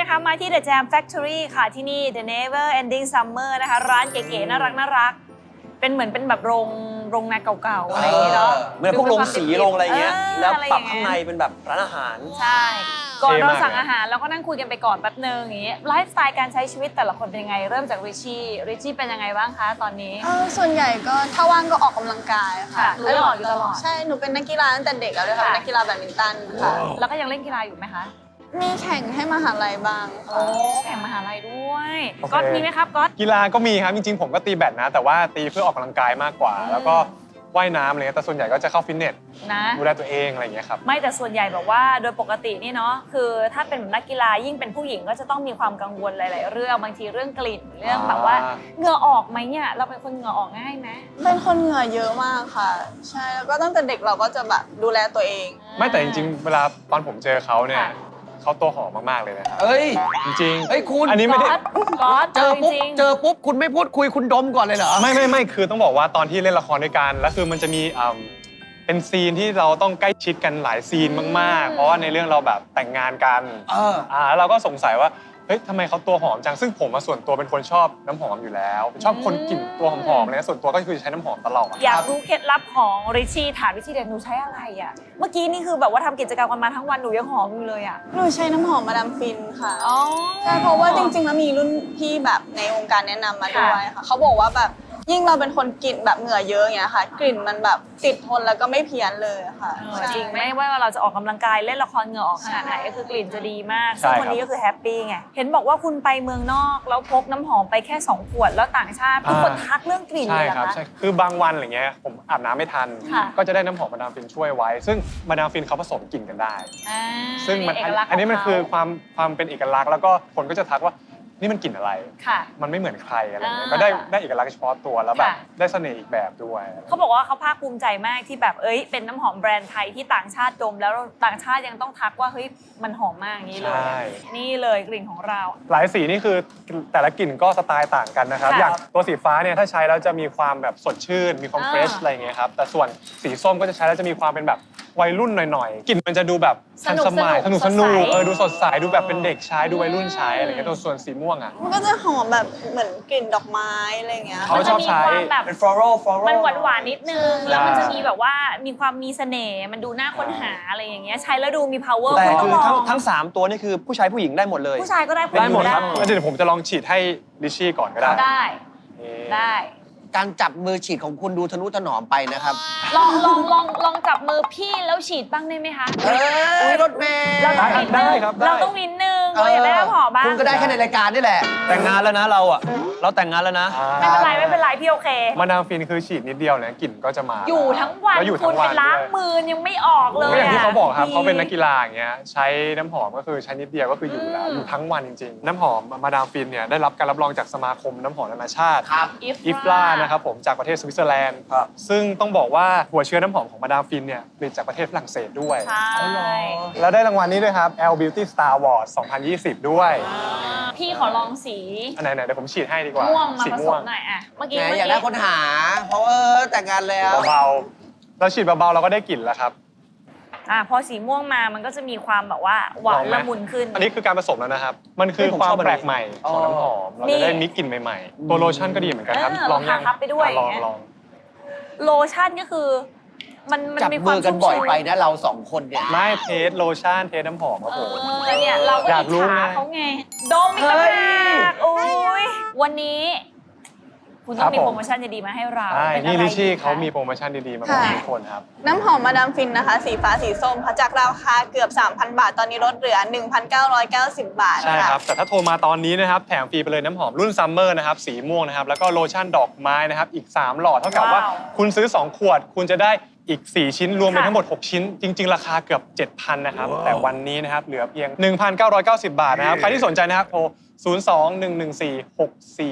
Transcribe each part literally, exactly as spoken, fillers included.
นะคะมาที่ The Jam Factory ค่ะที่นี่ The Never Ending Summer นะคะร้านเก๋ๆน่ารักน่ารักเป็นเหมือนเป็นแบบโรงโรงนาเก่าๆอะไรอย่างเงี้ยเนาะเหมือนพวกโรงสีโรงอะไรเงี้ยแล้วปรับข้างในเป็นแบบร้านอาหารใช่ก่อนเราสั่งอาหารแล้วก็นั่งคุยกันไปก่อนแป๊บนึงอย่างงี้ไลฟ์สไตล์การใช้ชีวิตแต่ละคนเป็นยังไงเริ่มจากริชชี่ริชชี่เป็นยังไงบ้างคะตอนนี้เออส่วนใหญ่ก็ถ้าว่างก็ออกกำลังกายค่ะรู้ตลอดอยู่ตลอดใช่หนูเป็นนักกีฬาตั้งแต่เด็กแล้วด้วยค่ะนักกีฬาแบดมินตันค่ะแล้วก็ยังเล่นกีฬาอยู่ไหมคะมีแข่งให้มหาลัยบ้างโอ้แข่งมหาลัยด้วยก๊อตมีไหมครับก๊อตกีฬาก็มีครับจริงๆผมก็ตีแบดนะแต่ว่าตีเพื่อออกกำลังกายมากกว่าแล้วก็ว่ายน้ำอะไรเงี้ยแต่ส่วนใหญ่ก็จะเข้าฟิตเนสนะดูแลตัวเองอะไรอย่างเงี้ยครับไม่แต่ส่วนใหญ่แบบว่าโดยปกตินี่เนาะคือถ้าเป็นนักกีฬายิ่งเป็นผู้หญิงก็จะต้องมีความกังวลหลายๆเรื่องบางทีเรื่องกลิ่นเรื่องแบบว่าเหงื่อออกไหมเนี่ยเราเป็นคนเหงื่อออกง่ายไหมเป็นคนเหงื่อเยอะมากค่ะใช่แล้วก็ตั้งแต่เด็กเราก็จะแบบดูแลตัวเองไม่แต่จริงๆเวลาตอนผมเจอเขาเนี่ยเขาตัวหอมมากๆเลยนะครับเอ้ยจริงๆเฮ้ยคุณอันนี้ไม่ได้ก๊อตเจอปุ๊บเจอปุ๊บคุณไม่พูดคุยคุณดมก่อนเลยเหรอไม่ไม่ไม่คือต้องบอกว่าตอนที่เล่นละครด้วยกันแล้วคือมันจะมีเป็นซีนที่เราต้องใกล้ชิดกันหลายซีนมากๆเพราะว่าในเรื่องเราแบบแต่งงานกันอ่าเราก็สงสัยว่าเฮ้ยทำไมเขาตัวหอมจังซึ่งผมส่วนตัวเป็นคนชอบน้ำหอมอยู่แล้วชอบคนกลิ่นตัวหอมๆเลยส่วนตัวก็คือใช้น้ำหอมตลอดอยากรู้เคล็ดลับของริชชี่ถามริชชี่เด็กหนูใช้อะไรอ่ะเมื่อกี้นี่คือแบบว่าทำกิจกรรมกันมาทั้งวันหนูยังหอมอยู่เลยอ่ะหนูใช้น้ำหอมมาดามฟินค่ะอ๋อใช่เพราะว่าจริงๆแล้วมีรุ่นพี่แบบในวงการแนะนำมาด้วยค่ะเขาบอกว่าแบบยิ่งเราเป็นคนกลิ่นแบบเหงื่อเยอะอย่างเงี้ยค่ะกลิ่นมันแบบติดทนแล้วก็ไม่เพี้ยนเลยค่ะจริงไม่ว่าเราจะออกกำลังกายเล่นละครเหงื่อออกขนาดไหนก็คือกลิ่นจะดีมากซึ่งคนนี้ก็คือแฮปปี้ไงเห็นบอกว่าคุณไปเมืองนอกแล้วพกน้ำหอมไปแค่สองขวดแล้วต่างชาติทุกคนทักเรื่องกลิ่นเลยเหรอคะใช่คือบางวันอะไรเงี้ยผมอาบน้ำไม่ทันก็จะได้น้ำหอมมาดามฟินช่วยไว้ซึ่งมาดามฟินเขาผสมกลิ่นกันได้ซึ่งอันนี้มันคือความความเป็นเอกลักษณ์แล้วก็คนก็จะทักว่านี่มันกลิ่นอะไรมันไม่เหมือนใครอะไรเงี้ยก็ได้ได้เอกลักษณ์เฉพาะตัวแล้วแบบได้เสน่ห์อีกแบบด้วยเขาบอกว่าเขาภาคภูมิใจมากที่แบบเอ้ยเป็นน้ำหอมแบรนด์ไทยที่ต่างชาติดมแล้วต่างชาติยังต้องทักว่าเฮ้ยมันหอมมากอย่างนี้เลยนี่เลยกลิ่นของเราหลายสีนี่คือแต่ละกลิ่นก็สไตล์ต่างกันนะครับอย่างตัวสีฟ้าเนี่ยถ้าใช้แล้วจะมีความแบบสดชื่นมีความเฟรชอะไรเงี้ยครับแต่ส่วนสีส้มก็จะใช้แล้วจะมีความเป็นแบบวัยรุ่นหน่อยๆกลิ่นมันจะดูแบบทันสมัยสนุกสนุกเออดูสดใสดูแบบเป็นเด็กใช้ดูวัยรุ่นใช้อะไรเงี้ยตัวส่วนสีม่วงอ่ะมันก็จะหอมแบบเหมือนกลิ่นดอกไม้อะไรเงี้ยเขาชอบใช้เป็น floral floral มันหวานหวานนิดนึงแล้วมันจะมีแบบว่ามีความมีเสน่ห์มันดูน่าค้นหาอะไรอย่างเงี้ยใช้แล้วดูมี power แต่คือทั้งทั้งสามตัวนี่คือผู้ชายผู้หญิงได้หมดเลยผู้ชายก็ได้ได้หมดครับแล้วเดี๋ยวผมจะลองฉีดให้ลิชชี่ก่อนก็ได้ได้ได้การจับมือฉีดของคุณดูทะนุถนอมไปนะครับลองลองลองลองจับมือพี่แล้วฉีดบ้างได้ไหมคะเอ้ยรถเมย์เราต้องนิดนึงเราต้องนิดนึงเราอยากได้น้ำหอมบ้างคุณก็ได้แค่ในรายการนี่แหละแต่งงานแล้วนะเราอ่ะเราแต่งงานแล้วนะไม่เป็นไรไม่เป็นไรพี่โอเคมาดามฟินคือฉีดนิดเดียวเนี่ยกลิ่นก็จะมาอยู่ทั้งวันคุณไปล้างมือยังไม่ออกเลยอย่างที่เขาบอกครับเขาเป็นนักกีฬาอย่างเงี้ยใช้น้ำหอมก็คือใช้นิดเดียวก็คืออยู่แล้วอยู่ทั้งวันจริงๆน้ำหอมมาดามฟินเนี่ยได้รับการรับรองจากสมาคมน้ำหอมนานาชาติอิฟลานะครับผมจากประเทศสวิตเซอร์แลนด์ซึ่งต้องบอกว่าหัวเชื้อน้ำหอมของมาดามฟินเนี่ยผลิตจากประเทศฝรั่งเศสด้วยใช่แล้วได้รางวัลนี้ด้วยครับ แอล Beauty Star Award สองพันยี่สิบด้วยพี่ขอลองสีอันไหนๆเดี๋ยวผมฉีดให้ดีกว่าม่วงมาผสมหน่อยอ่ะเมื่อกี้อยากได้คนหาเพราะเออแต่งงานแล้วเบาๆเราฉีดเบาๆเราก็ได้กลิ่นแล้วครับอ่าพอสีม่วงมามันก็จะมีความแบบว่าหวานละมุนขึ้นอันนี้คือการผสมแล้วนะครับมันคือความแปลกใหม่ของน้ำหอมเราจะได้มิกกลิ่นใหม่ๆตัวโลชั่นก็ดีเหมือนกันครับลองยังทับไปด้วยลองลองโลชั่นก็คือมันมันมีความจับมือกันบ่อยไปนะเราสองคนเนี่ยไม่เทสโลชั่นเทสน้ำหอมครับผมแล้วเนี่ยเราก็อิจฉาเขาไงดมอีกแล้วโอ้ยวันนี้คุณต้องมีโปรโมชั่นดีๆมาให้เราใช่นี่ลิชชี่เขามีโปรโมชั่นดีๆมาบอกทุกคนครับน้ำหอมมาดามฟินนะคะสีฟ้าสีส้มค่ะจากราคาเกือบ สามพัน บาทตอนนี้ลดเหลือ หนึ่งพันเก้าร้อยเก้าสิบ บาทใช่ครับแต่ถ้าโทรมาตอนนี้นะครับแถมฟรีไปเลยน้ำหอมรุ่นซัมเมอร์นะครับสีม่วงนะครับแล้วก็โลชั่นดอกไม้นะครับอีกสามหลอดเท่ากับว่าคุณซื้อสองขวดคุณจะได้อีกสี่ชิ้นรวมเป็นทั้งหมดหกชิ้นจริงๆราคาเกือบ เจ็ดพัน นะครับแต่วันนี้นะครับเหลือเพียง หนึ่งพันเก้าร้อยเก้าสิบ บาทนะครับใครที่สนใจนะครับโทรศูนย์ สอง หนึ่ง หนึ่ง สี่ หก สี่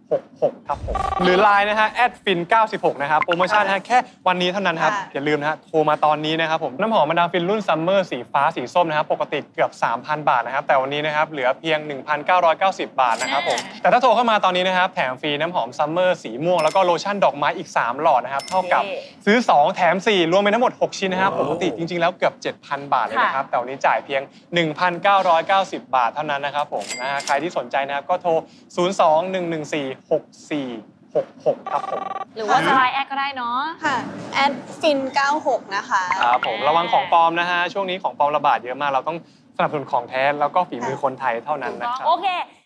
หกหกครับผมหรือ ไลน์ นะฮะแอดฟินเก้าสิบหกนะครับโปรโมชั่นนะฮะแค่วันนี้เท่านั้นครับค่ะอย่าลืมนะฮะโทรมาตอนนี้นะครับผมน้ำหอมมาดามฟินรุ่นซัมเมอร์สีฟ้าสีส้มนะครับปกติเกือบ สามพัน บาทนะครับแต่วันนี้นะครับเหลือเพียง หนึ่งพันเก้าร้อยเก้าสิบ บาทนะครับผมแต่ถ้าโทรเข้ามาตอนนี้นะครับแถมฟรีน้ำหอมซัมเมอร์สีม่วงแล้วก็โลชั่นดอกไม้อีกสามหลอดนะครับเท่ากับซื้อสองแถมสี่รวมเป็นทั้งหมดหกชิ้นนะครับปกติจริงๆแล้วเกือบ เจ็ดพัน บาทเลยนะครับแต่วันนี้จ่ายเพียง หนึ่งพันเก้าร้อยเก้าสิบ บาทเท่านั้นนะครับผมนะฮะใครที่สนใจนะครับก็โทร ศูนย์ สอง หนึ่ง หนึ่ง สี่ หก สี่ หก หก ครับผมหรือว่าจะไลน์แอดก็ได้เนาะค่ะแอดฟินเก้าหกนะคะครับผมระวังของปลอมนะฮะช่วงนี้ของปลอมระบาดเยอะมากเราต้องสนับสนุนของแท้แล้วก็ฝีมือคนไทยเท่านั้นนะครับโอเค